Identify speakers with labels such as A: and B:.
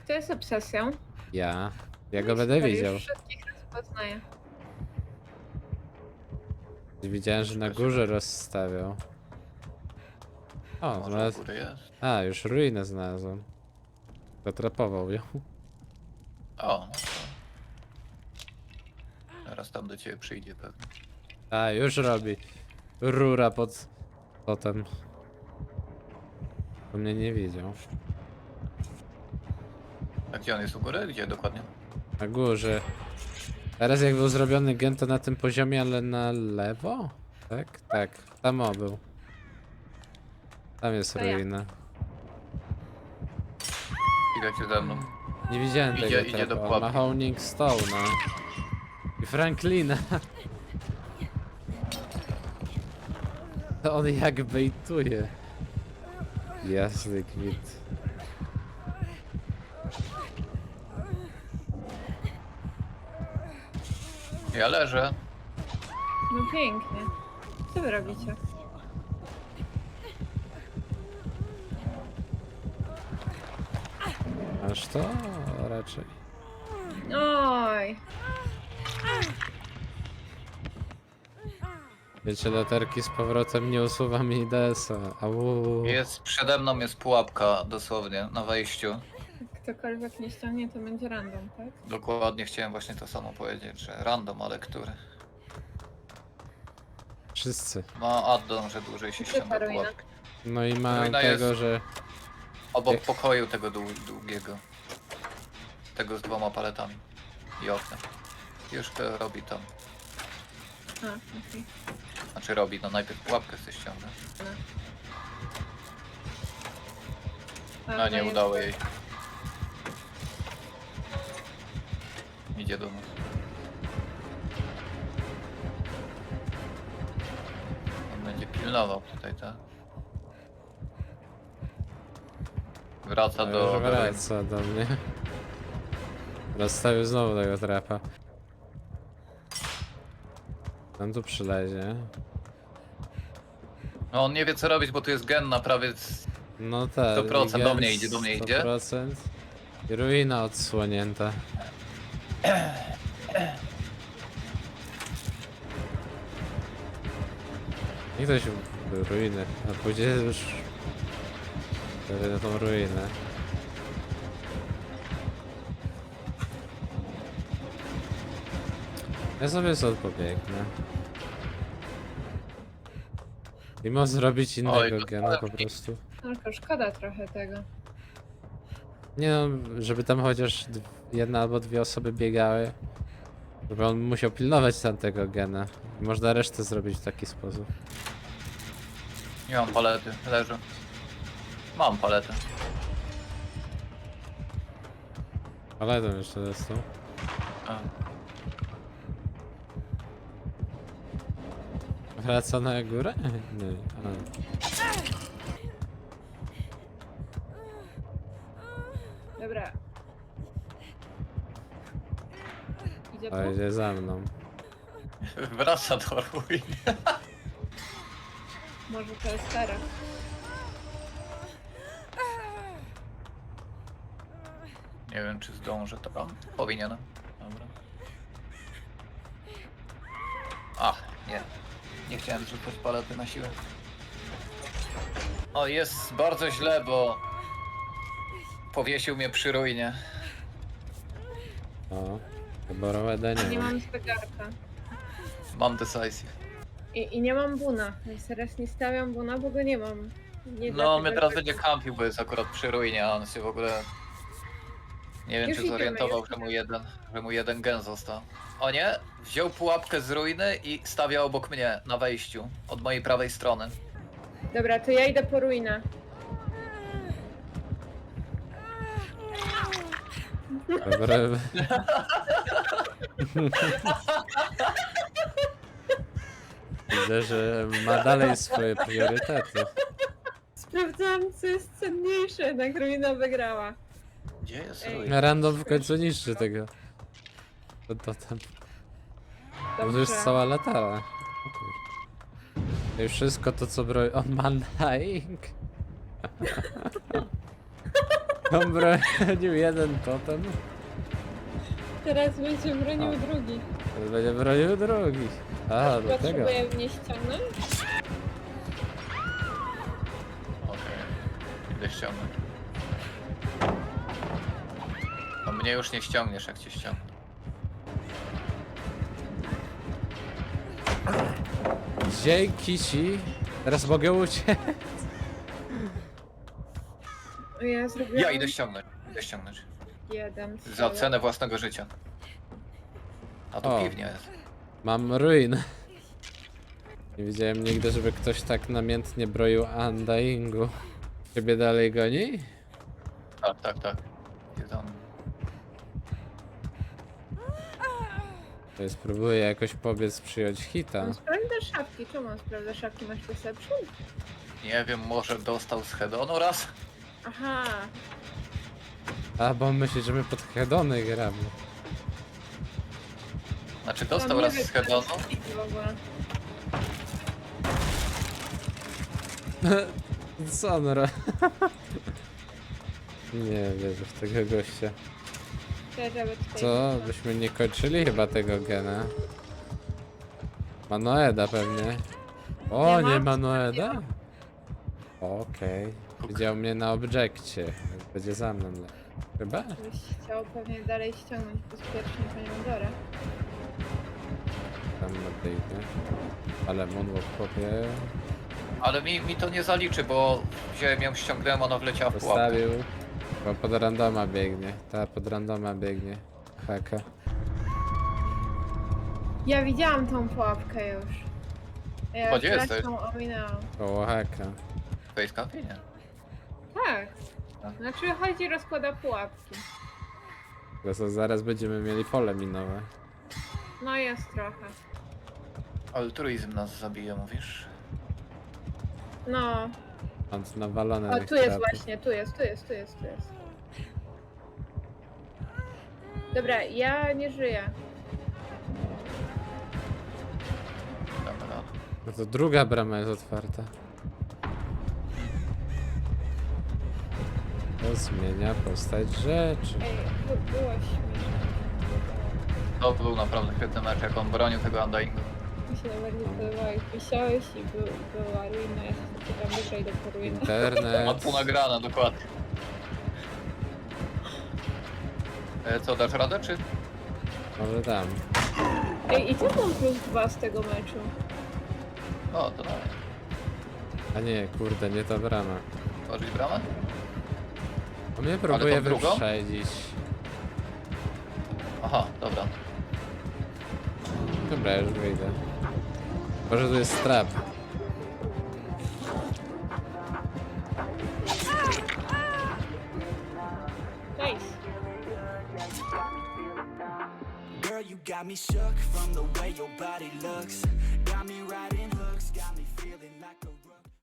A: Kto jest obsesją?
B: Ja. Ja
A: No
B: go
A: i
B: będę
A: super,
B: widział.
A: już wszystkich rozpoznaję.
B: Widziałem, że na górze rozstawiał. O,
C: Może u
B: znalazł...
C: góry jest.
B: A, już ruinę znalazłem. Zatrapował ją.
C: O, no to... Teraz tam do ciebie przyjdzie pewnie.
B: A, już robi. Rura pod... Potem. To mnie nie widział.
C: A gdzie on jest u góry? Gdzie dokładnie?
B: Na górze. Teraz jak był zrobiony gen, to na tym poziomie, ale na lewo? Tak? Tak. Tam o był. Tam jest
A: To ja.
B: ruina.
C: Idziecie ze mną.
B: Nie widziałem
C: Idzie-
B: tego
C: idzie do
B: trapa. On ma
C: pułapki.
B: Honing Stone'a. I Franklina. To on jak bejtuje. Jasny kwit.
C: Ja leżę.
A: No pięknie. Co wy robicie?
B: Aż to raczej.
A: Oj.
B: Wiecie, latarki z powrotem nie usuwa mi DS-a. Au.
C: Jest, przede mną jest pułapka dosłownie na wejściu.
A: Jak ktokolwiek nie ściągnie, to będzie random, tak?
C: Dokładnie chciałem właśnie to samo powiedzieć, że random, ale który?
B: Wszyscy.
C: Ma addon, że dłużej się
A: Gdzie
C: ściąga
A: ta ruina?
C: pułapkę.
B: No i mam
C: Ruina
B: tego,
C: jest-
B: że...
C: Obok
B: Jak-
C: pokoju tego długiego. Tego z 2 paletami. I oknem. Już to robi tam.
A: A, okej.
C: Znaczy robi, no najpierw pułapkę sobie ściąga.
A: A,
C: No nie
A: jest-
C: udało jej. Idzie do nas. On będzie pilnował tutaj, tak? Wraca
B: Już
C: do...
B: wraca do mnie. Rozstawił znowu tego trapa. On tu przylezie.
C: No on nie wie co robić, bo tu jest gen na prawie...
B: No tak.
C: 100% do mnie idzie, do mnie idzie.
B: 100%. I ruina odsłonięta. I ktoś był ruiny, a później już... na tą ruinę. Ja sobie stąd pobiegnę. I można zrobić innego
C: Oj, to
B: gena po
C: tak.
B: prostu.
A: Tylko szkoda trochę tego.
B: Nie no, żeby tam chociaż jedna albo dwie osoby biegały. Żeby on musiał pilnować tamtego gena. Można resztę zrobić w taki sposób.
C: Nie mam palety, leżę. Mam paletę.
B: Ale to jeszcze dostał.
C: A.
B: Wraca na górę? Nie.
A: Dobra. Idzie
B: A
A: tu?
B: idzie za mną.
C: Wraca do ruin.
A: Może to jest teraz.
C: Nie wiem czy zdążę, to powinienem. Dobra. Ach, nie. Nie chciałem rzucać palety na siłę. O, jest bardzo źle, bo powiesił mnie przy ruinie.
B: O. Boroweda nie
A: Nie
B: ma.
A: mam zegarka.
C: Mam decisive.
A: I nie mam buna. Więc teraz nie stawiam buna, bo go nie mam. Nie
C: No, on
A: dlatego,
C: mnie teraz
A: że-
C: będzie kampił, bo jest akurat przy ruinie, a on się w ogóle... Nie wiem
A: Już
C: czy
A: idziemy,
C: zorientował,
A: już
C: że mu jeden gen został. O nie, wziął pułapkę z ruiny i stawia obok mnie na wejściu, od mojej prawej strony.
A: Dobra, to ja idę po ruinę.
B: Dobra. Widzę, że ma dalej swoje priorytety.
A: Sprawdzałam, co jest cenniejsze, jednak ruina wygrała.
C: Gdzie jest
A: Ej.
C: ruina?
B: Random w końcu niszczy tego. To tam. To już jest
A: Dobrze.
B: cała latara. O kur- I wszystko to co broi. On ma dying. On bronił jeden totem,
A: Teraz będzie bronił
B: O.
A: drugi.
B: teraz będzie bronił drugi. A, do tego.
A: Potrzebuję mnie ściągnąć?
C: Okej. Idę ściągnąć. No mnie już nie ściągniesz, jak cię ściągnę.
B: Dzięki ci. Teraz mogę uciec.
A: Ja zrobiłam
C: Ja idę ściągnąć. Idę ściągnąć.
A: jeden.
C: Za cenę własnego życia. A tu
B: O.
C: piwnia jest.
B: Mam ruin. Nie widziałem nigdy, żeby ktoś tak namiętnie broił Undyingu. Ciebie dalej goni?
C: Tak, tak, tak. Jest on.
B: To spróbuję jakoś pobiec przyjąć hita.
A: On sprawdza szafki. Czemu on sprawdza szafki? Masz perception?
C: Nie wiem, może dostał z hedonu raz?
A: Aha.
B: A, bo on myśli, że my pod hedony gramy.
C: Znaczy
A: Tam
C: dostał
A: nie
C: raz
A: wiem,
C: z hedonu.
A: co jest w ogóle.
B: Co on robi? Nie wierzę w tego gościa.
A: Żeby tutaj
B: Co? Byśmy nie kończyli chyba tego gena. Manoeda pewnie. O,
A: Nie
B: nie
A: ma?
B: Manoeda? Okej. Widział mnie na obiekcie. Będzie za mną. Chyba?
A: Byś chciał pewnie dalej ściągnąć bezpiecznie panią Dorę.
B: Tam nadejdę. Ale moonwalk chłopie
C: Ale mi to nie zaliczy, bo wziąłem ją, ściągnąłem, ona wleciała w pułapkę.
B: postawił. Bo pod randoma biegnie. Ta pod randoma biegnie. Haka.
A: Ja widziałam tą pułapkę już. Ja
C: Gdzie
A: już
C: jesteś?
A: raz ją ominęłam.
B: Koło haka.
C: Face campie, nie?
A: Tak.
C: Tak.
A: Znaczy chodzi rozkłada pułapki.
B: To zaraz będziemy mieli pole minowe.
A: No jest trochę.
C: Altruizm nas zabije, mówisz?
A: No.
B: On nawalony
A: O,
B: tych
A: tu jest
B: trapów.
A: właśnie, tu jest. Dobra, ja nie żyję.
C: Dobra.
B: No to druga brama jest otwarta. To zmienia postać rzeczy.
A: Ej, było śmieszne.
C: To był naprawdę świetny mecz, jak on bronił tego Undyingu.
A: Mi się najbardziej podobało, jak wisiałeś i była ruina, ja się zapytam, dobra, idę po ruinę.
C: Ma
B: Internet.
C: tu nagrane, dokładnie. Co, dasz radę, czy?
B: Może tam.
A: Ej, i co mam plus 2 z tego meczu?
C: O, to dalej.
B: A nie, kurde, nie ta brama.
C: Tworzyć bramę?
B: On mnie próbuje
C: tą drugą?
B: wyprzedzić.
C: Aha, dobra.
B: Dobra, już wyjdę. Może tu jest trap.
A: Nice.
D: Girl, you got me shook from the way your body looks. Got me riding hooks, got me